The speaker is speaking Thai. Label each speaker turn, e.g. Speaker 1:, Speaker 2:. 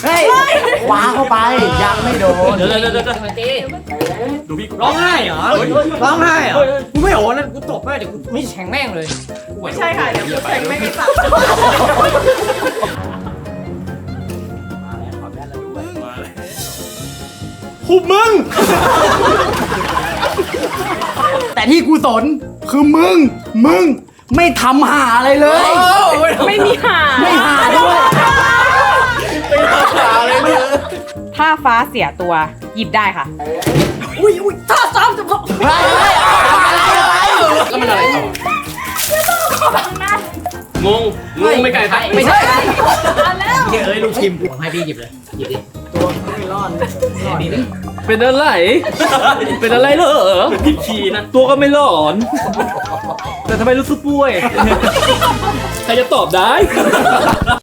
Speaker 1: เฮ้ยขวาเข้าไปยังไม่โดน
Speaker 2: เดี๋ยวดูพี่ร้องไห้เหรอร้องไห้เหรอกูไม่โหนนะกูตบแม่เดี๋ยวกูไม่แฉงแม่งเลย
Speaker 3: ไม่ใช่ค่ะเดี๋ยวกูแข่งไม่ได้สับ
Speaker 1: หุบมึง แต่ที่กูสนคือมึงไม่ทำหาอะไรเลย
Speaker 3: ไม่มีหา
Speaker 1: ไม่หาด้วย
Speaker 3: ถ้าฟ้าเสียตัวหยิบได้ค่ะ
Speaker 1: อุ้ยท่าซ้ำจะพออะไร
Speaker 2: แล้วมันอะไรต่องงไม่ไกลไป
Speaker 1: ไม่ใช่
Speaker 2: เอ้ยลูกชิมผมให้พี่หยิบเลยหยิบดิ
Speaker 4: เป็นอะไร เป็นอะไรเหรอ
Speaker 2: ผิดคีย์นะ
Speaker 4: ตัวก็ไม่หลอน แต่ทำไมรู้สึกป่วย ใครจะตอบได้